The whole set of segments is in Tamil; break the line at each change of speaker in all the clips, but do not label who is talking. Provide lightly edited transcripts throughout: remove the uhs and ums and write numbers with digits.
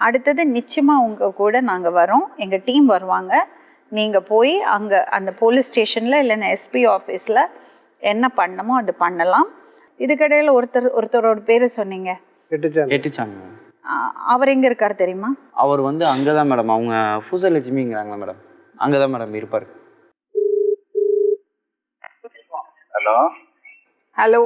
அடுத்தது நிச்சயமாக உங்கள் கூட நாங்கள் வரோம், எங்கள் டீம் வருவாங்க. நீங்கள் போய் அங்கே அந்த போலீஸ் ஸ்டேஷனில் இல்லைன்னா எஸ்பி ஆஃபீஸில் என்ன பண்ணணுமோ அது பண்ணலாம். இதுக்கடையில் ஒருத்தரோட பேர் சொன்னீங்க,
எட்டுச்சாங்க.
அவர் எங்கே இருக்கார் தெரியுமா?
அவர் வந்து அங்கே தான் மேடம், அவங்க பூசலட்சுமிங்கிறாங்களா மேடம், அங்கே தான் மேடம் இருப்பார்.
ஹலோ
ஹலோ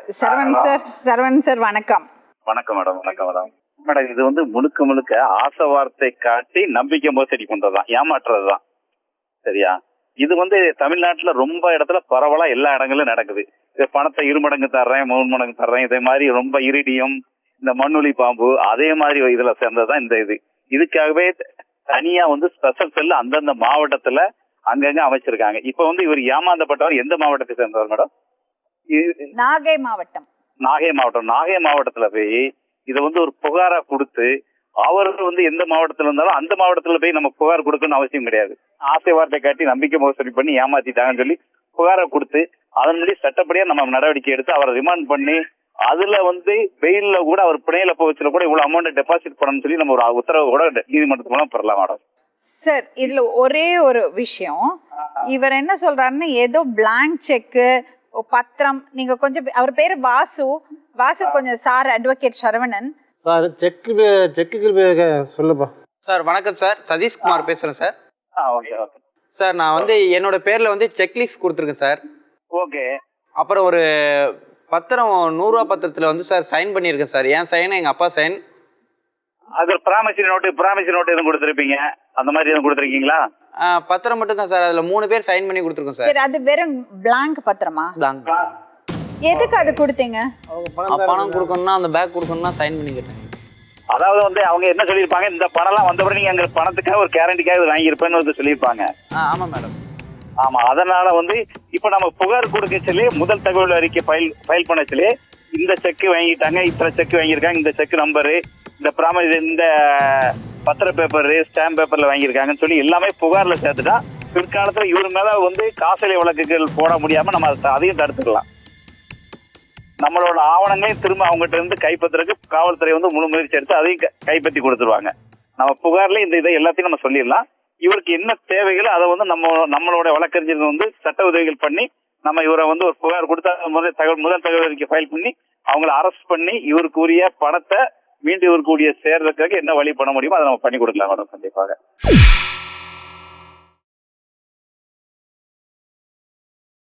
சரவணன் சார் வணக்கம்.
வணக்கம் மேடம். மேடம் இது வந்து முழுக்க ஆசை வார்த்தை காட்டி நம்பிக்கை மோசடி பண்றதுதான், ஏமாற்றுறதுதான். சரியா? இது வந்து தமிழ்நாட்டுல ரொம்ப இடத்துல பரவலா எல்லா இடங்களும் நடக்குது. பணத்தை 2 மடங்கு தர்றேன், 3 மடங்கு தர்றேன், இதே மாதிரி ரொம்ப இரிடியம், இந்த மண்ணுளி பாம்பு, அதே மாதிரி இதுல சேர்ந்ததுதான் இந்த இதுக்காகவே தனியா வந்து ஸ்பெஷல் செல் அந்தந்த மாவட்டத்துல அங்கங்க அமைச்சிருக்காங்க. இப்ப வந்து இவர் ஏமாந்தப்பட்டவர் எந்த மாவட்டத்தை சேர்ந்தவர் மேடம்?
நாகை மாவட்டம்.
நாகை மாவட்டத்துல போய் இதை வந்து ஒரு புகாரா கொடுத்து, அவர் வந்து எந்த மாவட்டத்துல இருந்தாலும் அந்த மாவட்டத்துல போய் நம்ம புகார் கொடுக்கணும்னு அவசியம் கிடையாது. ஆசை வார்த்தை காட்டி நம்பிக்கை மோசடி பண்ணி ஏமாத்திட்டாங்கன்னு சொல்லி புகாரை கொடுத்து அதன்படி சட்டப்படியா நம்ம நடவடிக்கை எடுத்து அவரை ரிமாண்ட் பண்ணி அதுல வந்து வெயில்ல கூட அவர் பிணையில போச்சுல கூட இவ்வளவு அமௌண்ட் டெபாசிட் பண்ணணும்னு சொல்லி நம்ம ஒரு உத்தரவு கூட நீதிமன்றத்து மூலம் பெறலாம் மேடம்.
சார் இதுல ஒரே ஒரு விஷயம், இவர் என்ன சொல்றாருன்னு ஏதோ பிளாங்க் செக்கு பத்திரம், நீங்க கொஞ்சம் அவர் பேரு வாசு கொஞ்சம் sir advocate Saravanan
sir check சொல்லுப்பா.
சார் வணக்கம் சார், சதீஷ்குமார் பேசுகிறேன் சார்.
ஓகே
சார் நான் வந்து என்னோட பேரில் வந்து செக்லீஃப் கொடுத்துருக்கேன் சார்.
ஓகே.
அப்புறம் ஒரு பத்திரம் 100 ரூபா பத்திரத்தில் வந்து சார் சைன் பண்ணியிருக்கேன் சார். என் சைன், எங்கள் அப்பா சைன்.
அது ப்ராமிசரி நோட்டு எதுவும் கொடுத்துருப்பீங்க, அந்த மாதிரி எதுவும் கொடுத்துருக்கீங்களா?
பத்திரம் மட்டும் தான் சார், அதில் 3 பேர் சைன் பண்ணி கொடுத்துருக்கோம் சார்.
அது வெறும் பிளாங்க் பத்திரமா?
பிளாங்க்.
எதுக்கு அது கொடுத்தீங்க?
பணம் கொடுக்கணும்னா அந்த பேக் கொடுக்கணும்னா சைன் பண்ணி கேட்டேன்.
அதாவது வந்து அவங்க என்ன சொல்லியிருப்பாங்க, இந்த பணம்லாம் வந்தபடி நீங்க அங்க பணத்துக்காக ஒரு கேரண்டிக்காக வாங்கியிருப்பேன்னு வந்து சொல்லியிருப்பாங்க.
ஆமாம் மேடம்.
ஆமா, அதனால வந்து இப்ப நம்ம புகார் கொடுக்க சொல்லி முதல் தகவல் அறிக்கை ஃபைல் பண்ண சொல்லி இந்த செக் வாங்கிட்டாங்க, இத்தனை செக் வாங்கியிருக்காங்க, இந்த செக் நம்பரு, இந்த பத்திர பேப்பர், ஸ்டாம்ப் பேப்பர்ல வாங்கியிருக்காங்கன்னு சொல்லி எல்லாமே புகார்ல சேர்த்துட்டா பிற்காலத்துல இவர் மேல வந்து காசோலை வழக்குகள் போட முடியாம நம்ம அதையும் தடுத்துக்கலாம். நம்மளோட ஆவணங்களையும் திரும்ப அவங்ககிட்ட இருந்து கைப்பற்றுறதுக்கு காவல்துறை வந்து முழு முயற்சி எடுத்து அதையும் கைப்பற்றி கொடுத்துருவாங்க. நம்ம புகார்ல இந்த இதை எல்லாத்தையும் நம்ம சொல்லிடலாம். இவருக்கு என்ன தேவைகளோ அதை வந்து நம்மளோட வழக்கறிஞர் வந்து சட்ட உதவிகள் பண்ணி நம்ம இவரை வந்து ஒரு புகார் கொடுத்தா முதல் தகவல் அறிக்கை ஃபைல் பண்ணி அவங்களை அரெஸ்ட் பண்ணி இவருக்கு உரிய பணத்தை மீண்டும் இவருக்கு சேர்றதுக்காக என்ன வழி பண்ண முடியுமோ அதை நம்ம பண்ணி கொடுக்கலாம் மேடம். கண்டிப்பாக.